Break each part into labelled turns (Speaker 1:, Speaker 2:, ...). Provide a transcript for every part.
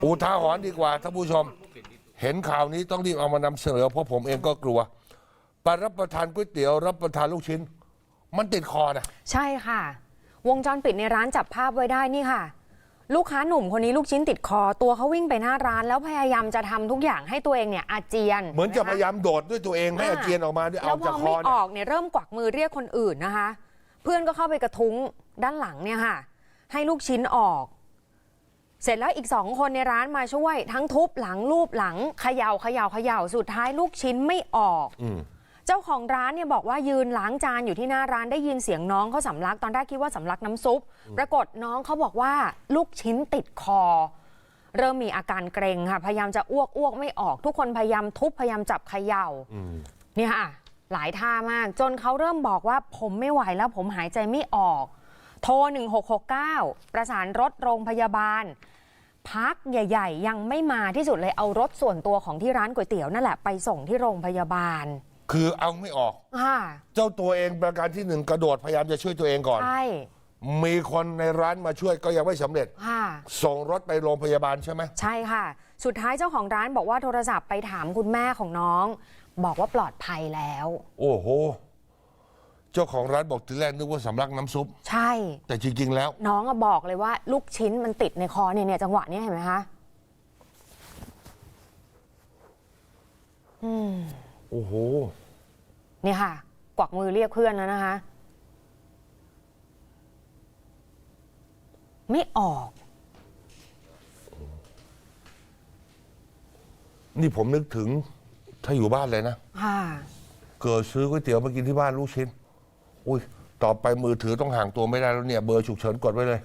Speaker 1: อุทาหรณ์ดีกว่าท่านผู้ชมเห็นข่าวนี้ต้องรีบเอามานำเสนอเพราะผมเองก็กลัวไปรับประทานก๋วยเตี๋ยวรับประทานลูกชิ้นมันติดคอนะ
Speaker 2: ใช่ค่ะวงจรปิดในร้านจับภาพไว้ได้นี่ค่ะลูกค้าหนุ่มคนนี้ลูกชิ้นติดคอตัวเขาวิ่งไปหน้าร้านแล้วพยายามจะทำทุกอย่างให้ตัวเองเนี่ยอาเจียน
Speaker 1: เหมือนจะพยายามโดดด้วยตัวเองให้อาเจียนออกมาด้วยเอาจากคอ
Speaker 2: ไม่ออกเนี่ยเริ่มกวักมือเรียกคนอื่นนะคะเพื่อนก็เข้าไปกระทุ้งด้านหลังเนี่ยค่ะให้ลูกชิ้นออกเสร็จแล้วอีก2 คนในร้านมาช่วยทั้งทุบหลังลูบหลังเขย่าสุดท้ายลูกชิ้นไม่ออกเจ้าของร้านเนี่ยบอกว่ายืนล้างจานอยู่ที่หน้าร้านได้ยินเสียงน้องเขาสำลักตอนแรกคิดว่าสำลักน้ำซุปปรากฏน้องเขาบอกว่าลูกชิ้นติดคอเริ่มมีอาการเกร็งค่ะพยายามจะอ้วกไม่ออกทุกคนพยายามทุบพยายามจับเขย่าเนี่ยค่ะหลายท่ามากจนเขาเริ่มบอกว่าผมไม่ไหวแล้วผมหายใจไม่ออกโทร1669ประสานรถโรงพยาบาลพักใหญ่ๆยังไม่มาที่สุดเลยเอารถส่วนตัวของที่ร้านก๋วยเตี๋ยวนั่นแหละไปส่งที่โรงพยาบาล
Speaker 1: คือเอาไม่ออกเจ้าตัวเองประการที่1กระโดดพยายามจะช่วยตัวเองก่อนใช่มีคนในร้านมาช่วยก็ยังไม่สำเร็จส่งรถไปโรงพยาบาลใช่ไหม
Speaker 2: ใช่ค่ะสุดท้ายเจ้าของร้านบอกว่าโทรศัพท์ไปถามคุณแม่ของน้องบอกว่าปลอดภัยแล้ว
Speaker 1: โอ้โหเจ้าของร้านบอกทีแรกนึกว่าสำลักน้ำซุป
Speaker 2: ใช่
Speaker 1: แต่จริงๆแล้ว
Speaker 2: น้องบอกเลยว่าลูกชิ้นมันติดในคอเนี่ยจังหวะนี้เห็นไหมคะ
Speaker 1: โอ้โห
Speaker 2: นี่ค่ะกวักมือเรียกเพื่อนแล้วนะคะไม่ออก
Speaker 1: นี่ผมนึกถึงถ้าอยู่บ้านเลยนะเกิดซื้อก๋วยเตี๋ยวมากินที่บ้านลูกชิ้นอุ้ยต่อไปมือถือต้องห่างตัวไม่ได้แล้วเนี่ยเบอร์ฉุกเฉินกดไว้เลย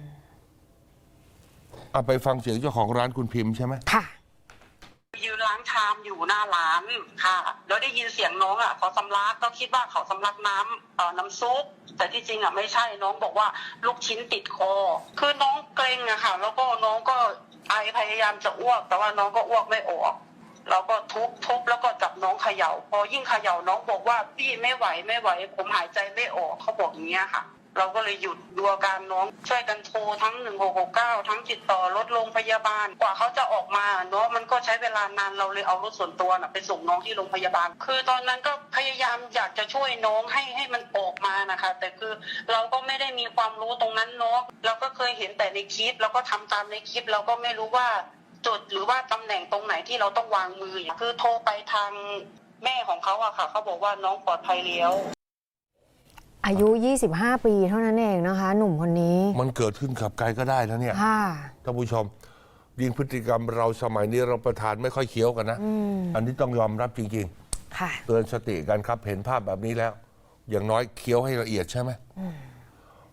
Speaker 1: เอาไปฟังเสียงเจ้าของร้านคุณพิมพ์ใช่ไหม
Speaker 2: ค่ะ
Speaker 3: ยืนล้างชามอยู่หน้าร้านค่ะแล้วได้ยินเสียงน้องเขาสำลักก็คิดว่าเขาสำลักน้ำซุปแต่ที่จริงไม่ใช่น้องบอกว่าลูกชิ้นติดคอคือน้องเกร็งค่ะแล้วก็น้องก็ไอพยายามจะอ้วกแต่ว่าน้องก็อ้วกไม่ออกเราก็ทุบแล้วก็จับน้องเขย่าพอยิ่งเขย่าน้องบอกว่าพี่ไม่ไหวผมหายใจไม่ออกเขาบอกอย่างเงี้ยค่ะเราก็เลยหยุดดูอาการน้องช่วยกันโทรทั้ง1669ทั้งติดต่อรถโรงพยาบาลกว่าเขาจะออกมาเนาะมันก็ใช้เวลานานเราเลยเอารถส่วนตัวไปส่งน้องที่โรงพยาบาลคือตอนนั้นก็พยายามอยากจะช่วยน้องให้มันออกมานะคะแต่คือเราก็ไม่ได้มีความรู้ตรงนั้นเนาะเราก็เคยเห็นแต่ในคลิปเราก็ทำตามในคลิปเราก็ไม่รู้ว่าจุดหรือว่าตำแหน่งตรงไหนที่เราต้องวางมือคือโทรไปทางแม่ของเขาค่ะเขาบอกว่าน้องปลอดภัยแล้ว
Speaker 2: อายุ25 ปีเท่านั้นเองนะคะหนุ่มคนนี้
Speaker 1: มันเกิดขึ้นกับใครก็ได้นะเนี่ยท่านผู้ชมยิ่งพฤติกรรมเราสมัยนี้เราประทานไม่ค่อยเคี้ยวกันนะอันนี้ต้องยอมรับจริงๆเตือนสติกันครับเห็นภาพแบบนี้แล้วอย่างน้อยเคี้ยวให้ละเอียดใช่ไหม